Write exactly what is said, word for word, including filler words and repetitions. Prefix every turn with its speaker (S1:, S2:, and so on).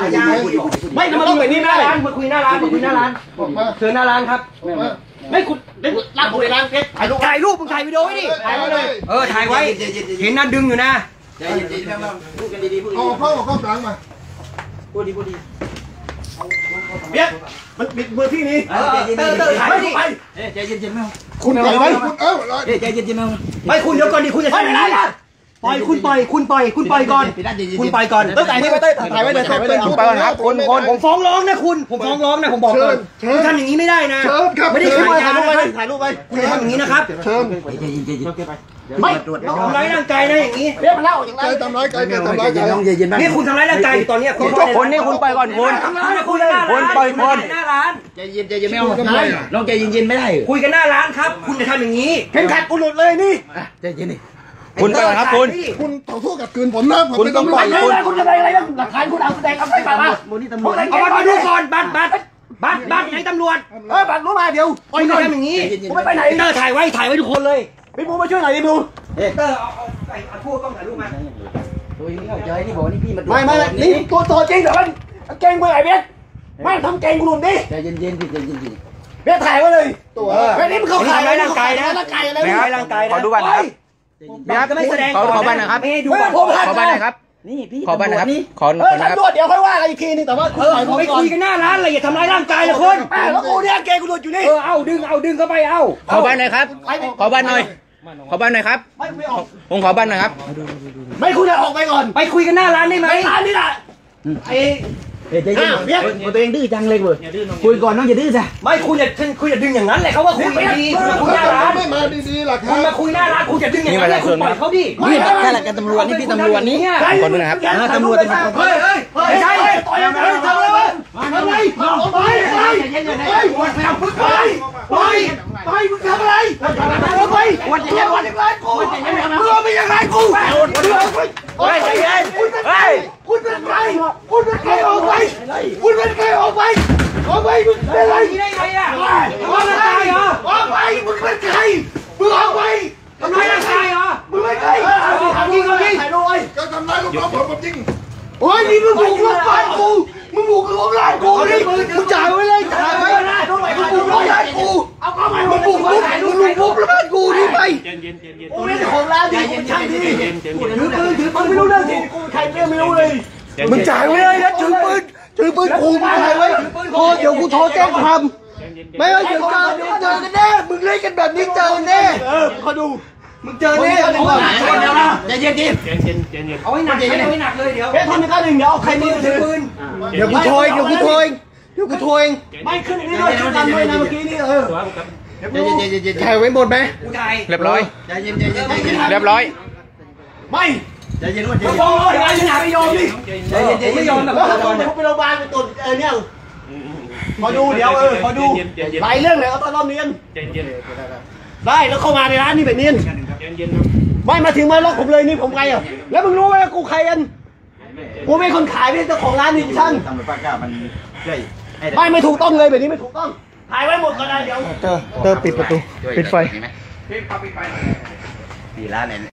S1: ไม่ทำไมต้องแบบนี้หน้าร้านมาคุยหน้าร้านมาคุยหน้าร้านเชิญหน้าร้านครับไม่คุณรับผมในร้านเพชรถ่ายรูปถ่ายรูปมึงถ่ายวิดีโอไว้ดิถ่ายไว้เลยเออถ่ายไว้เห็นนั่นดึงอยู่นะพูดกันดีๆพูดดีๆเอาเข้าเข้ากลางมาพูดดีพูดดีเบี้ยมันบิดมือพี่นี่เออเตอร์เตอร์ถ่ายไว้ดิใจเย็นๆไม่เอาคุณปล่อยไว้คุณเออใจเย็นๆไม่เอาไม่คุณเดี๋ยวก่อนดิคุณจะทำอะไรล่ะปล่อยคุณปล่อยคุณปล่อยคุณปล่อยก่อนคุณปล่อยก่อนเต้ยถ่ายนี่ไปเต้ยถ่ายไว้เลยถ่ายไว้เลยคุณปล่อยครับคนคนผมฟ้องร้องนะคุณผมฟ้องร้องนะผมบอกก่อนคุณทำอย่างนี้ไม่ได้นะไม่ได้ขายยานะครับถ่ายรูปไปคุณทำอย่างนี้นะครับเชิญไม่ทำร้ายร่างกายนะอย่างนี้เรียกมาเล่าอย่างไรทำร้ายกายทำร้ายกายนี่คุณทำร้ายร่างกายอยู่ตอนนี้คุณคนนี่คุณปล่อยก่อนคุณคุณคุณปล่อยคนหน้าร้านใจเย็นใจเย็นไม่เอาลองใจเย็นๆไม่ได้คุยกันหน้าร้านครับคุณจะทำอย่างนี้เข็มขัดกูหลุดเลยนี่ใจเย็นดิคุณไปครับคุณคุณต่อสู้กับคืนผมนะคุณต้องปล่อยคุณคุณจะไปอะไรบ้างหลักฐานคุณเอาแสดงเอาไปป่าวเอาบัตรมาดูก่อนบัตรบัตรบัตรบัตรไหนตำรวจเออบัตรรู้มาเดี๋ยวคุณจะทำอย่างนี้คุณไม่ไปไหนเตอร์ถ่ายไว้ถ่ายไว้ทุกคนเลยพี่บูมาช่วยหน่อยพี่บูเตอร์เอาเอาเอาทั่วกล้องถ่ายรูปมาตัวนี้เข้าใจนี่บอกนี่พี่มาไม่ไม่นี่ตัวตัวจริงแต่ว่าเก่งไปไหนเบสไม่ทำเก่งกูหนุ่มดิใจเย็นเย็นดิใจเย็นดิเบสถ่ายไว้เลยตัวเบสนี่มันเข้าข่ายร่างกายนะร่างกายอะไรร่างกายนะขอดูบัตรนะครับพี่ครับไม่แสดงขอบ้านนะครับขอบ้านนะครับนี่พี่ขอบ้านนะครับขอขอนะครับเดี๋ยวค่อยว่ากันอีกทีนึงแต่ว่าเออไปคุยกันหน้าร้านอะไรอย่าทำร้ายร่างกายนะคนแล้วกูเนี่ยเกย์กูหลุดอยู่นี่เออเอาดึงเอาดึงเข้าไปเอาขอบ้านหน่อยครับขอบ้านหน่อยขอบ้านหน่อยครับผมขอบ้านหน่อยครับไม่คุณจะออกไปก่อนไปคุยกันหน้าร้านได้ไหมร้านนี่แหละไอ้เฮ้ยใจเย็นตัวเองดื้อจังเลยเว้ยคุยก่อนน้องอย่าดื้อจ้ะไม่คุณอย่าคุณอย่าดึงอย่างนั้นเลยเขาว่าคุยดีคุยหน้าร้านไม่มาดีๆหรอกคุณมาคุยหน้าร้านคุณอย่าดึงอย่างนั้นคุณปล่อยเขาดินี่แค่หลักการตำรวจนี่พี่ตำรวจนี่คนนึงนะครับตำรวจเป็นคนเฮ้ยเฮ้ยไม่ใช่ต่อยอะไรทำอะไรทำอะไรไปไปไปไปไปไปมึงทำอะไรไปวันจะยังวันยังไงกูเมื่อไม่ยังไงกูเฮ้ยใจเย็นเฮ้ยคุณเป็นใครคุณเป็นใครออกไปคุณเป็นใครออกไปออกไปมึงเป็นอะไรได้ไงอ่ะออกไปเหรอออกไปมึงเป็นใครมึงออกไปทำร้ายร่างกายเหรอมึงเป็นใครทำจริงทำจริงถ่ายรูปไว้ก็ทำร้ายลูกน้องผมผมจริงโอ้ยนี่มึงบุกลุกบ้านกูมึงบุกลุกร้านกูนี่มึงจ่ายไว้เลยจ่ายไว้นะมึงบุกลุกร้านกูเอาเข้ามามึงบุกลุกมึงบุกลุกร้านกูนี่ไปกูเป็นของร้านดิมึงช่างดิถือปืนถือปืนไม่รู้เรื่องสิกูใครไม่รู้เลยมึงจ่ายไว้เลยนะถือปืนถือปืนกูมึงจ่ายไว้โอ้เดี๋ยวกูโทรแจ้งความไม่เอาเดี๋ยวเจอเดี๋ยวเจอกันแน่มึงเล่นกันแบบนี้เจอแน่เออเขาดูมึงเจอแน่เดี๋ยวนะใจเย็นๆเอาให้หนักเอาให้หนักเลยเดี๋ยวทำในข้าหนึ่งเดี๋ยวเอาใครมือถือปืนเดี๋ยวกูโทรเดี๋ยวกูโทรเดี๋ยวกูโทรไม่ขึ้นนี่ด้วยกันด้วยนะเมื่อกี้นี่เออถ่ายไว้หมดไหมเรียบร้อยเรียบร้อยไม่ใจเย็นว่าใจเย็นฟ้องร้อยอะไรหนาไม่ยอมดิใจเย็นไม่ยอมแบบตอนเดี๋ยวไปโรงพยาบาลไปตรวจเออเนี่ยพอดูเดี๋ยวเออพอดูหลายเรื่องเลยเอาตอนรอบเนียนได้แล้วเข้ามาในร้านนี่แบบเนียนไม่มาถึงมาล็อกผมเลยนี่ผมใครอ่ะแล้วมึงรู้ไหมกูใครกันกูไม่คนขายไม่ใช่เจ้าของร้านนี่ช่างไม่ไม่ถูกต้องเลยแบบนี้ไม่ถูกต้องถ่ายไว้หมดก็ได้เดี๋ยวเตอร์เตอร์ปิดประตูปิดไฟปิดไฟปิดร้านเนี่ย